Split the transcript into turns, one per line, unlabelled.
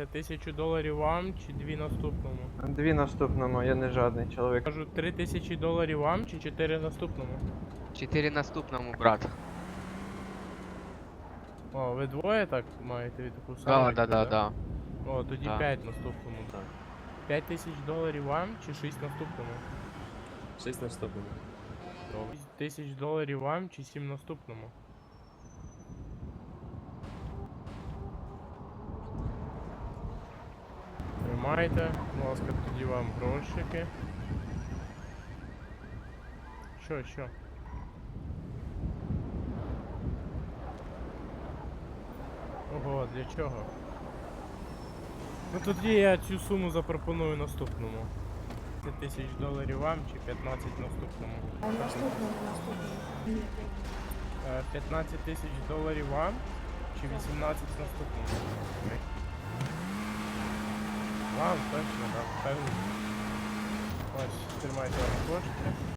Дивіться, $1000 вам чи 2 наступному?
Дві наступному, я не жадний чоловік.
Кажу, $3000 вам чи 4 наступному?
4 наступному, брат.
О, ви двоє так маєте від таку
Да,
саму?
да.
О, тоді
Да.
5 наступному, так. $5000 вам чи 6 наступному?
6 наступному.
$1000 вам чи 7 наступному? Тримайте, будь ласка, тоді вам грошики. Що? Ого, для чого? Ну тоді я цю суму запропоную наступному. $1000 вам чи 15 наступному?
Наступному.
15000 вам чи 18 наступному? Вам точно, так, певно. Ось, тримайте вам кошти.